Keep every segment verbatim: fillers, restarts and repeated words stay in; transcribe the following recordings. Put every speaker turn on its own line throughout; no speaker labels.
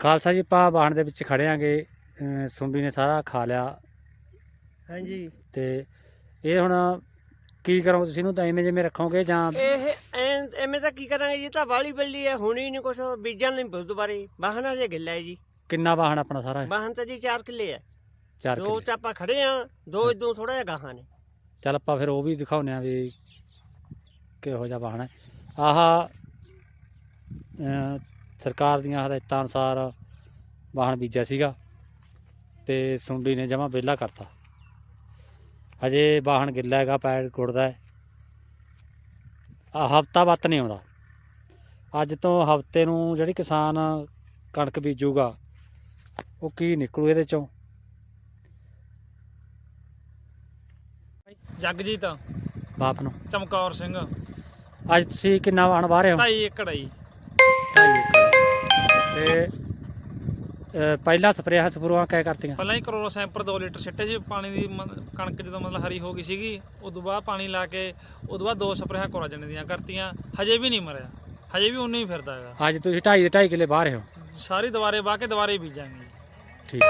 ਖਾਲਸਾ ਜੀ ਆਪਾਂ ਵਾਹਣ ਦੇ ਵਿੱਚ ਖੜੇ ਆਂਗੇ। ਸੁੰਡੀ ਨੇ ਸਾਰਾ ਖਾ ਲਿਆ।
ਹਾਂਜੀ
ਤੇ ਇਹ ਹੁਣ ਕੀ ਕਰੋਗੇ ਤੁਸੀਂ? ਇਹਨੂੰ ਤਾਂ ਐਵੇਂ ਜਿਵੇਂ ਰੱਖੋਗੇ ਜਾਂ
ਇਹ ਐਂ ਐਵੇਂ ਤਾਂ ਕੀ ਕਰਾਂਗੇ ਜੀ? ਤਾਂ ਵਾਲੀ ਬੱਲੀ ਹੈ, ਹੋਣੀ ਨਹੀਂ ਕੁਛ, ਬੀਜਣ ਨਹੀਂ ਬੁੱਧ ਦੁਬਾਰੇ। ਵਾਹਣਾ ਜੇ ਗਿੱਲਾ ਹੈ ਜੀ।
ਕਿੰਨਾ ਵਾਹਣ ਆਪਣਾ ਸਾਰਾ?
ਵਾਹਣ ਤਾਂ ਜੀ ਚਾਰ ਕਿੱਲੇ ਹੈ।
ਚਾਰ
ਦੋ
ਕਿੱਲੇ।
ਚ ਆਪਾਂ ਖੜੇ ਆ, ਦੋ ਇਦੋਂ ਥੋੜਾ ਜਿਹਾ ਗਾਹਾਂ ਨੇ।
ਚੱਲ ਆਪਾਂ ਫਿਰ ਉਹ ਵੀ ਦਿਖਾਉਂਦੇ ਆ ਵੀ ਕਿਹੋ ਜਿਹਾ ਵਾਹਣ ਹੈ। ਆਹ ਸਰਕਾਰ ਦੀਆਂ ਹਦਾਇਤਾਂ ਅਨੁਸਾਰ ਵਾਹਣ ਬੀਜਿਆ ਸੀਗਾ ਤੇ ਸੁੰਡੀ ਨੇ ਜਮਾਂ ਵਿਹਲਾ ਕਰਤਾ। ਹਜੇ ਵਾਹਣ ਗਿੱਲਾ ਹੈਗਾ, ਪੈਰ ਗੁੜਦਾ ਹੈ। ਹਫ਼ਤਾ ਵੱਤ ਨਹੀਂ ਆਉਂਦਾ। ਅੱਜ ਤੋਂ ਹਫ਼ਤੇ ਨੂੰ ਜਿਹੜੀ ਕਿਸਾਨ ਕਣਕ ਬੀਜੂਗਾ ਉਹ ਕੀ ਨਿਕਲੂ ਇਹਦੇ ਚੋਂ?
ਜਗਜੀਤ
ਬਾਪ ਨੂੰ
ਚਮਕੌਰ ਸਿੰਘ।
ਅੱਜ ਤੁਸੀਂ ਕਿੰਨਾ ਵਾਹਣ ਵਾਹ ਰਹੇ ਹੋ?
ਢਾਈ ਏਕੜ ਆ ਜੀ।
ਢਾਈ ਏਕੜ। ਤੇ ਅ, ਪਹਿਲਾਂ ਸਪਰੇਹਾਂ ਸਪਰੂਆਂ ਕਿਆ ਕਰਤੀਆਂ?
ਪਹਿਲਾਂ ਹੀ ਕਰੋਨਾ ਸੈਂਪਰ ਦੋ ਲੀਟਰ ਸਿੱਟੇ ਸੀ ਪਾਣੀ ਦੀ। ਮ- ਕਣਕ ਜਦੋਂ ਮਤਲਬ ਹਰੀ ਹੋ ਗਈ ਸੀਗੀ, ਉਦੋਂ ਬਾਅਦ ਪਾਣੀ ਲਾ ਕੇ ਉਦੋਂ ਬਾਅਦ ਦੋ ਸਪਰੇਹਾਂ ਕੋਰਾਜਨ ਦੀਆਂ ਕਰਤੀਆਂ। ਹਜੇ ਵੀ ਨਹੀਂ ਮਰਿਆ, ਹਜੇ ਵੀ ਉਨਾ ਹੀ ਫਿਰਦਾ ਹੈਗਾ।
ਅੱਜ ਤੁਸੀਂ ਢਾਈ ਦੇ ਢਾਈ ਕਿੱਲੇ ਵਾਹ ਰਹੇ ਹੋ?
ਸਾਰੀ ਦੁਬਾਰੇ ਵਾਹ ਕੇ ਦੁਬਾਰੇ ਬੀਜਾਂਗੇ ਜੀ।
ਠੀਕ।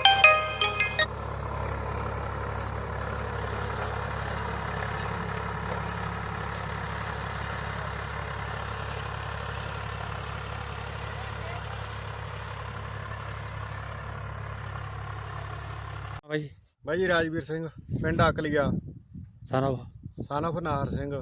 ਬਾਈ ਜੀ
ਬਾਈ ਜੀ ਰਾਜਵੀਰ ਸਿੰਘ, ਪਿੰਡ ਅਕਲੀਆ,
ਸਾਰਾ
son of ਨਾਹਰ ਸਿੰਘ।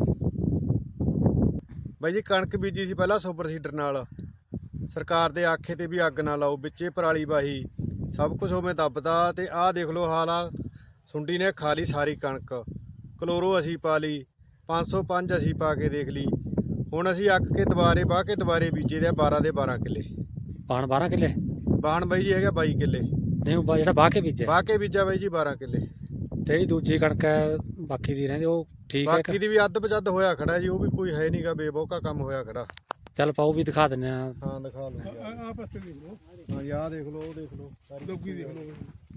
ਬਾਈ ਜੀ ਕਣਕ ਬੀਜੀ ਸੀ ਪਹਿਲਾਂ ਸੁਪਰ ਸੀਡਰ ਨਾਲ। ਸਰਕਾਰ ਦੇ ਆਖੇ ਤੇ ਵੀ ਅੱਗ ਨਾ ਲਾਓ, ਵਿੱਚੇ ਪਰਾਲੀ ਵਾਹੀ, ਸਭ ਕੁਝ ਉਵੇਂ ਦੱਬਦਾ। ਤੇ ਆਹ ਦੇਖ ਲਓ ਹਾਲ ਆ, ਸੁੰਡੀ ਨੇ ਖਾ ਲਈ ਸਾਰੀ ਕਣਕ। ਕਲੋਰੋ ਅਸੀਂ ਪਾ ਲਈ, ਪੰਜ ਸੌ ਪੰਜ ਅਸੀਂ ਪਾ ਕੇ ਦੇਖ ਲਈ। ਹੁਣ ਅਸੀਂ ਅੱਕ ਕੇ ਦੁਬਾਰੇ ਵਾਹ ਕੇ ਦੁਬਾਰੇ ਬੀਜੇ ਦੇ ਬਾਰਾਂ ਦੇ ਬਾਰਾਂ ਕਿੱਲੇ
ਵਾਹਣ ਬਾਰਾਂ ਕਿੱਲੇ।
ਬਾਹਣ ਬਾਈ ਜੀ ਹੈਗਾ ਬਾਈ ਕਿੱਲੇ।
ਨਹੀਂ ਉਹ ਜਿਹੜਾ ਵਾਹ ਕੇ ਬੀਜਿਆ,
ਵਾਹ ਕੇ ਬੀਜਾ ਬਾਈ ਜੀ ਬਾਰਾਂ ਕਿੱਲੇ।
ਜਿਹੜੀ ਦੂਜੀ ਕਣਕ ਹੈ ਬਾਕੀ ਦੀ ਰਹਿੰਦੀ ਉਹ ਠੀਕ ਹੈ?
ਬਾਕੀ ਦੀ ਵੀ ਅੱਧ ਬਜੱਦ ਹੋਇਆ ਖੜਾ ਜੀ, ਉਹ ਵੀ ਕੋਈ ਹੈ ਨਹੀਂਗਾ, ਬੇਬੋਕਾ ਕੰਮ ਹੋਇਆ ਖੜਾ।
ਚੱਲ ਪਾਓ ਵੀ ਦਿਖਾ ਦਿੰਦੇ ਆ।
ਹਾਂ ਦਿਖਾ ਲਓ।
ਆਹ ਪਾਸੇ ਦੇਖ ਲਓ,
ਹਾਂ ਯਾਰ ਦੇਖ ਲਓ, ਉਹ ਦੇਖ ਲਓ, ਸਾਰੀ
ਲੋਕੀ ਦੇਖ ਲਓ।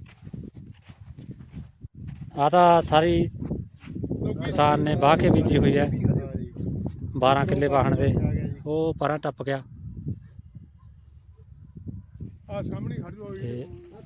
ਆ ਤਾਂ ਸਾਰੀ ਕਿਸਾਨ ਨੇ ਵਾਹ ਕੇ ਬੀਜੀ ਹੋਈ ਹੈ। ਬਾਰਾਂ ਕਿੱਲੇ ਵਾਹਣ ਦੇ ਉਹ ਪਰਾਂ ਟੱਪ ਗਿਆ।
ਆਹ ਸਾਹਮਣੇ ਖੜ ਜਾਓ।
ਤੇ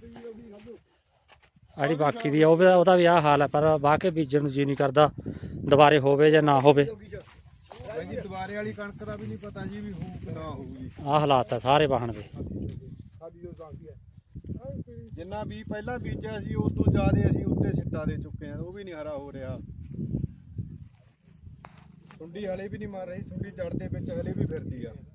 ਜਿਹੜੀ ਬਾਕੀ ਦੀ ਆ ਉਹ ਵੀ ਉਹਦਾ ਵੀ ਆਹ ਹਾਲ ਹੈ, ਪਰ ਵਾਹ ਕੇ ਬੀਜਣ ਨੂੰ ਜੀ ਨਹੀਂ ਕਰਦਾ, ਦੁਬਾਰੇ ਹੋਵੇ ਜਾਂ ਨਾ ਹੋਵੇ।
ਬਾਈ ਜੀ ਦੁਬਾਰੇ ਵਾਲੀ ਕਣਕ ਦਾ ਵੀ ਨਹੀਂ ਪਤਾ ਜੀ ਵੀ ਹੋਊ ਕਿ ਨਾ ਹੋਊ ਜੀ।
ਆਹ ਹਾਲਾਤ ਆ ਸਾਰੇ ਵਾਹਣ ਦੇ।
ਸਾਡੀ ਜੋ ਦੱਸਦੀ ਹੈ
ਜਿੰਨਾ ਵੀ ਪਹਿਲਾਂ ਬੀਜਿਆ ਸੀ ਉਸ ਤੋਂ ਜ਼ਿਆਦਾ ਅਸੀਂ ਉੱਤੇ ਸਿੱਟਾ ਦੇ ਚੁੱਕੇ ਆ, ਉਹ ਵੀ ਨਹੀਂ ਹਰਾ ਹੋ ਰਿਹਾ। ਸੁੰਡੀ ਹਲੇ ਵੀ ਨਹੀਂ ਮਾਰ ਰਹੀ, ਸੁੰਡੀ ਜੜ ਦੇ ਵਿੱਚ ਹਲੇ ਵੀ ਫਿਰਦੀ ਆ।